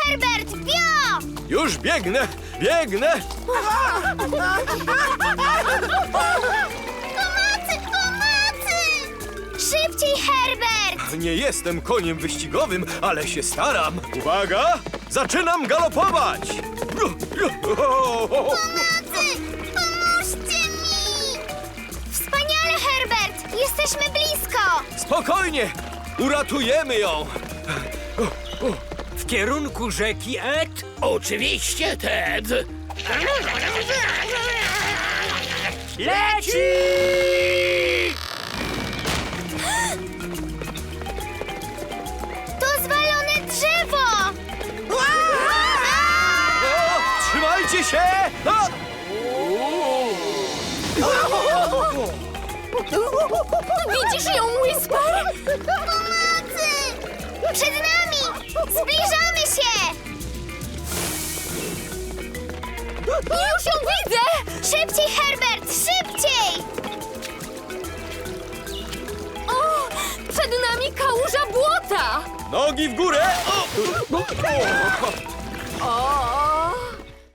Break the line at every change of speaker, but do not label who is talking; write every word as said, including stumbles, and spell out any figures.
Herbert, bio!
Już biegnę, biegnę!
Pomocy, pomocy! Szybciej, Herbert!
Nie jestem koniem wyścigowym, ale się staram. Uwaga! Zaczynam galopować!
Pomocy! Pomóżcie mi! Wspaniale, Herbert! Jesteśmy blisko!
Spokojnie! Uratujemy ją!
W kierunku rzeki Ed?
Oczywiście, Ted.
Leci!
To zwalone drzewo!
O, trzymajcie się! A!
Widzisz ją, Whisper? Pomocy! Przed nami! Zbliżamy się! Już ją widzę! Szybciej, Herbert! Szybciej! O! Przed nami kałuża błota!
Nogi w górę! O!
O!